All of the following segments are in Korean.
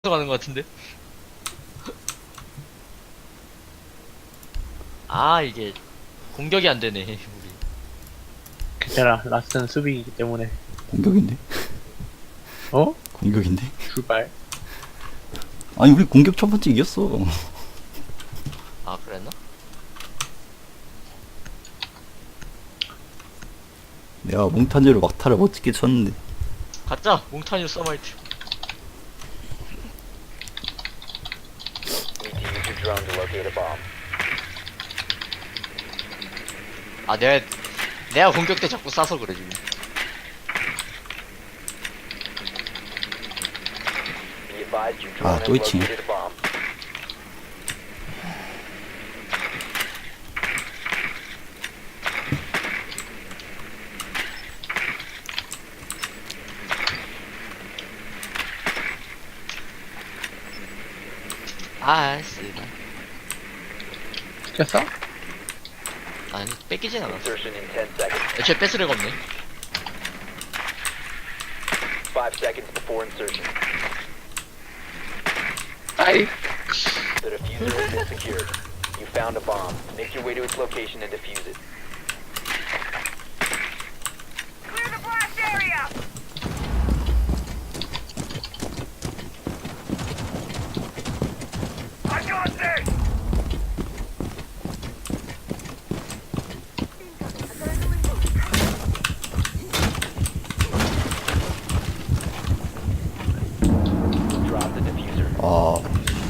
가는 것 같은데? 아 이게 공격이 안 되네 우리. 괜찮아. 라스트는 수비이기 때문에. 공격인데? 어? 공격인데? 출발. 아니 우리 공격 첫 번째 이겼어. 아 그랬나? 내가 몽타뉴로 막타를 멋지게 쳤는데. 가짜 몽타뉴 서마이트. Need to use your drone to locate a bomb. 아 내가 공격 때 자꾸 쏴서 그래 지금. Be advised your drone has 또 있지. located a bomb. 아 쓰다. 시켰어? 아니 뺏기진 않았어. Insertion in 10 seconds. 애초에 뺏을 애가 없네. 5 seconds before insertion. 아이. The diffuser has been secured. You found a bomb. Make your way to its location and defuse it. Clear the blast area! I got this! Drop the diffuser. 아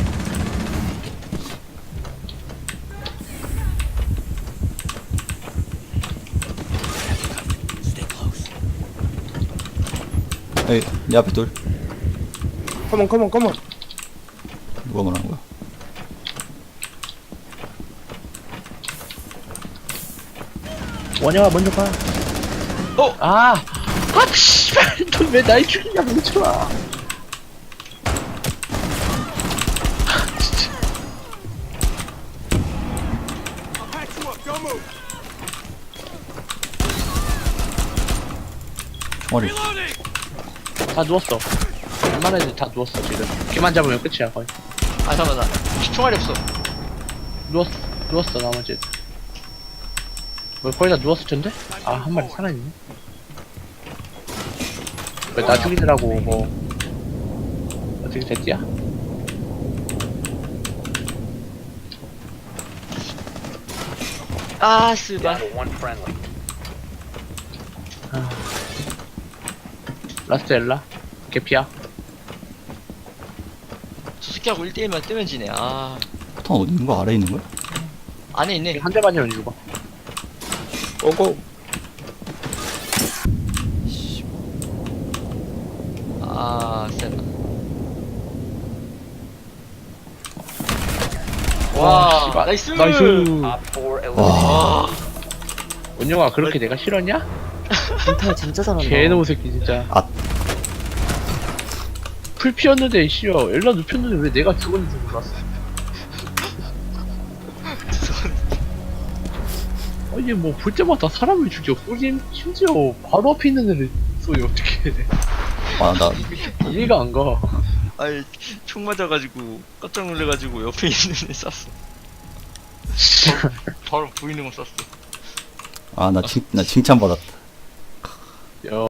에이 내 앞에 돌. 컴온, 컴온, 컴온. 누가 말하는 거야? 원영아, 먼저 가. 어! 아! 아, 씨발! 너 왜 날 죽이냐, 뭉쳐아. 총알이. 다 누웠어. 웬만한 애들 다 누웠어, 지금. 걔만 잡으면 끝이야, 거의. 아 잠깐만 나 총알이 없어. 누웠어, 나머지 애들. 뭐, 거의 다 누웠을 텐데? 아, 한 마리 살아있네. 왜 나 죽이더라고, 뭐. 어떻게 됐지야? 아 Down 쓰바. to one friendly. 라스트 엘라? 개피야? 저 새끼하고 1대1만 뜨면 지네. 아 포탄 어디 있는 거? 아래 있는 거야? 안에 있네. 한 대 맞으면 죽어. 오고. 씨. 아 세다. 와 씨발. 나이스. 나이스. Op 4 eliminated. 와. 원영아, 그렇게 내가 싫었냐? 멘탈 진짜 잘한다. 개놈 새끼, 진짜. 아. 풀 피었는데, 씨여. 엘라 눕혔는데 왜 내가 죽었는지 몰랐어. 아니, 뭐, 볼 때마다 사람을 죽여. 심지어 바로 앞에 있는 애를 쏘이, 어떻게. 아, 나 이해가 안 가. 아이 총 맞아가지고 깜짝 놀래가지고 옆에 있는 애 쐈어. 바로 보이는 거 쐈어. 나 칭찬 받았다. 야.